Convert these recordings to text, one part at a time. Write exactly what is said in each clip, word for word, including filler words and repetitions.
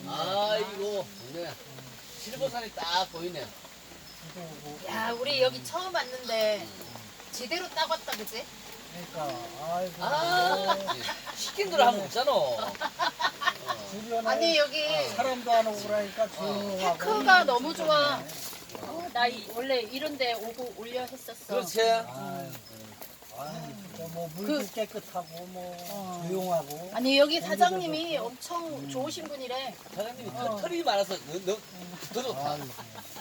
아이고, 좋네. 실버산이 딱 보이네. 야, 우리 여기 처음 왔는데 제대로 따고 왔다, 그지? 그러니까 아이고. 아, 시킨 대로 하면 없잖아. 주변에 아니, 여기 사람도 안 오고 그러니까 조용하고. 테크가 너무 좋아. 어, 나 이- 원래 이런데 오고 올려 했었어. 그렇지. 아이고. 아이고, 진짜 뭐 물도 그- 깨끗하고 뭐 어. 조용하고. 아니, 여기 사장님이 엄청 좋으신 분이래. 사장님이 어. 털- 털이 많아서 너, 너, 더 좋다. 아이고.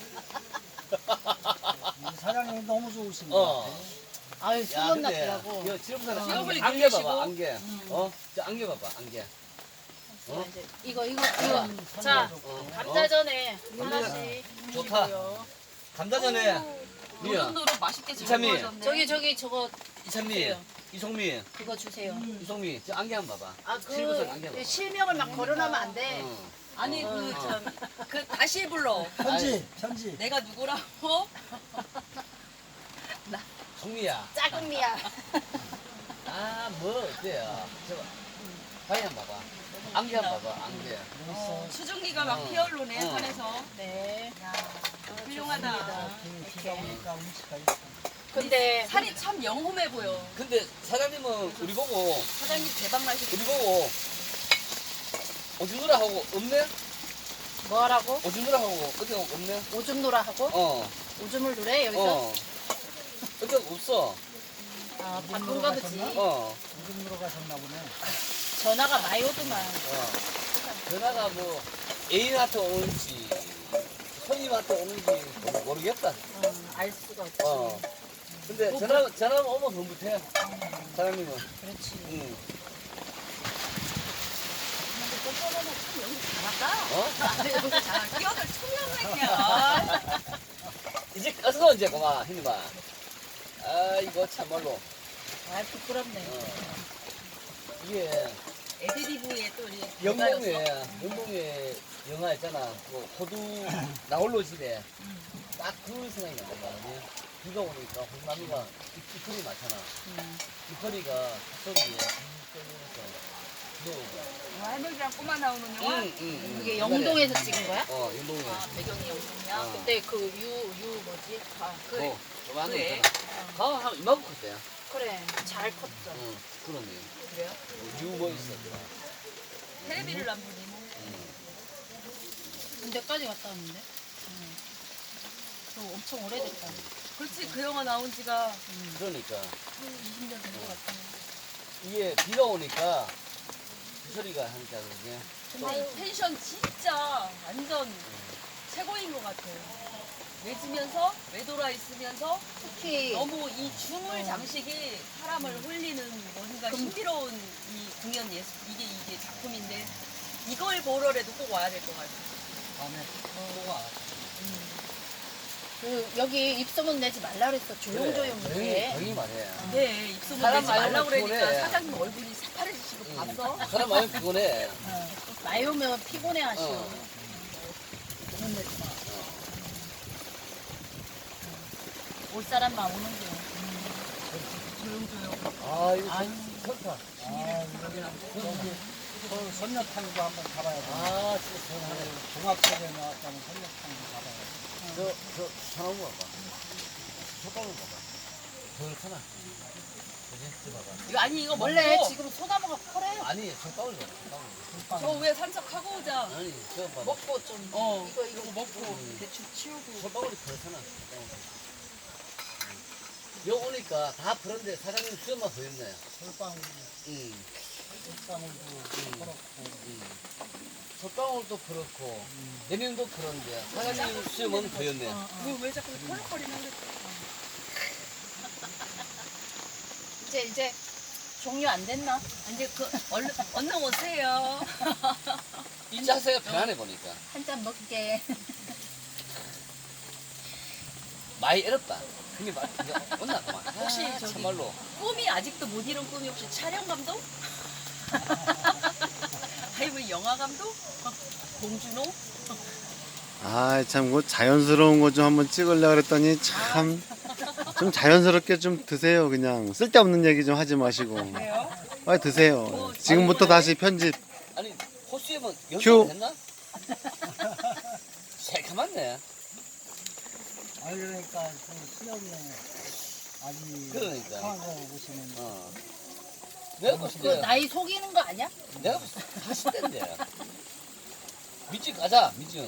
이 사장님이 너무 좋으신 어. 것 같아. 아유, 야, 소문 근데 났더라고. 이거 지름산에 지름을 안개, 안개 봐봐, 안개. 어? 저 안개 봐봐, 안개. 어? 이제 이거, 이거, 이거. 자, 어? 감자전에 어? 하나씩. 좋다. 드시고요. 감자전에 미야, 노릇노릇 맛있게 잘 이참이. 구워졌네. 저기, 저기, 저거, 이찬미, 주세요. 이송미, 그거 주세요. 이송미, 저 안개 한번 봐봐. 아, 실버산 안개 그, 봐봐. 실명을 막 거론하면 안 돼. 어. 아니 그 참 그 다시 불러. 편지, 편지. 내가 누구라고? 송미야. 작은 미야. 아, 뭐 어때요? 저거. 바위 한번 봐봐. 안개 한번 봐봐, 안개. 어, 수증기가 막 어. 피어오르네 어. 산에서. 네. 야, 훌륭하다. 비가 오니까 운치가 있어. 근데 산이 참 영험해 보여. 근데 사장님은 우리 보고, 사장님 대박 나시고. 우리 보고, 오줌누라 하고 없네? 뭐 하라고? 오줌누라 하고 어떻게 없네? 오줌 놀아 하고? 어, 오줌을 누래 여기서? 어. 어떻게 없어? 아, 바쁜가 보지. 어, 무슨 으로 가셨나 보네. 전화가 많이 오더만. 어. 전화가 뭐, 애인한테 오는지, 손님한테 오는지 뭐 모르겠다. 어, 알 수가 없지. 어. 근데 전화, 전화가 오면 더 못해. 사장님은. 그렇지. 응. 꼬꼬로는 참 연기 잘한다. 어? 아니 여기 잘 끼어들 청년생이야. 이제 어서 이제 고마 힘내봐. 아 이거 참말로 아, 부끄럽네. 어. 이게 애드리브에 또 이제 영동에 영동에 영화 있잖아. 그 호두 나홀로 집에 딱 그 생각이 난단 말이야. 비가 오니까 호두나무가 잎털이 많잖아. 음. 잎털이가 빗소리에 빗소리에서 비오고. 할머니랑 꼬마 나오는 영화. 응, 응, 응. 그게 영동에서 찍은 거야? 어 영동에. 아 배경이 영동이야. 어. 그때 그 유, 유 뭐지? 아, 그래. 어, 조만한 거 그래. 있잖아. 가한 이만큼 컸대. 그래. 잘 컸어. 응, 그러네. 그래요? 유뭐 있어. 텔레비를 안 보니. 군대까지 갔다 왔는데. 응. 저 엄청 오래됐다. 그렇지 그 영화 나온 지가 그러니까 이십 년 된 것 같아. 이게 비가 오니까 빗소리가 하니까 그게. 근데 이 텐션 진짜 완전 최고인 것 같아요. 외지면서 외돌아 있으면서 특히 너무 이 춤을 장식이 사람을 홀리는 뭔가 신비로운 이 공연 예술 이게 이게 작품인데 이걸 보러라도 꼭 와야 될 것 같아요. 다음에 뭐가 그 여기 입소문 내지 말라 그랬어. 조용조용 조용히, 해. 조용히 말해. 네, 입소문 사람 내지 많이 말라고 오면 그러니까 피곤해. 사장님 얼굴이 새파래지시고 응. 봤어? 사람 많이 피곤해. 어. 많이 오면 피곤해 하시오. 어. 소문 내지 마. 올 사람만 오는 게. 조용조용. 아, 이거 전- 좋다. 아, 여기 저 선녀탕도 한번 가봐야 돼. 아, 진짜 시원하네. 종합소에 나왔다는 선녀탕도 가봐야 돼. 저, 저, 사나무 봐봐. 소방울 봐봐. 그렇잖아. 그지? 저 봐봐. 이거 아니 이거 원래 먹고 지금 소나무가 커래. 아니, 소방울 봐봐. 소방울. 저 위에 산책하고 오자. 아니, 저 봐봐. 먹고 좀. 어. 이거 이거 이거 먹고 음. 대충 치우고. 소방울이 그렇잖아. 소방울. 여 오니까 다 그런데 사장님 수염만 보였네. 솔방울, 응. 솔방울도 그렇고. 응. 소방울도 그렇고, 내명도 그런데 사장님 수염은 보였네. 왜, 왜 자꾸 털럭거리나 그래? 이제 이제 종료 안 됐나? 이제 그 얼른 얼른 오세요. 이 자세가 편안해 보니까. 한 잔 먹게. 많이 애롭다. 형님 말, 이거 온나 그만. 혹시 아, 저기- 참말로. 꿈이 아직도 못 이룬 꿈이 혹시 촬영 감독? 아니면 영화 감독? 봉준호? 아, 참, 그 자연스러운 거 좀 한번 찍으려고 그랬더니 참, 좀 자연스럽게 좀 드세요, 그냥. 쓸데없는 얘기 좀 하지 마시고. 그래요? 빨리 드세요. 지금부터 다시 편집. 아니 호수에만 휴. 연습 했나? 새카맣네. 아 그러니까 그 수염이 아주 그러니까. 강한 거 보시면 어. 내가 봤을 그 때, 나이 속이는 거 아니야? 내가 봤을 때 사십 대인데. 밑집 가자, 밑집.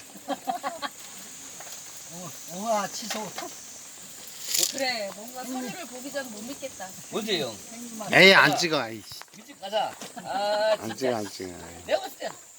어, 우와 치소 그래 뭔가 서류를 보기 전 못 믿겠다. 언제 형? 생기만 에이 안 찍어. 아이씨. 밑집 가자. 아, 안 진짜. 찍어 안 찍어. 내가 봤을 때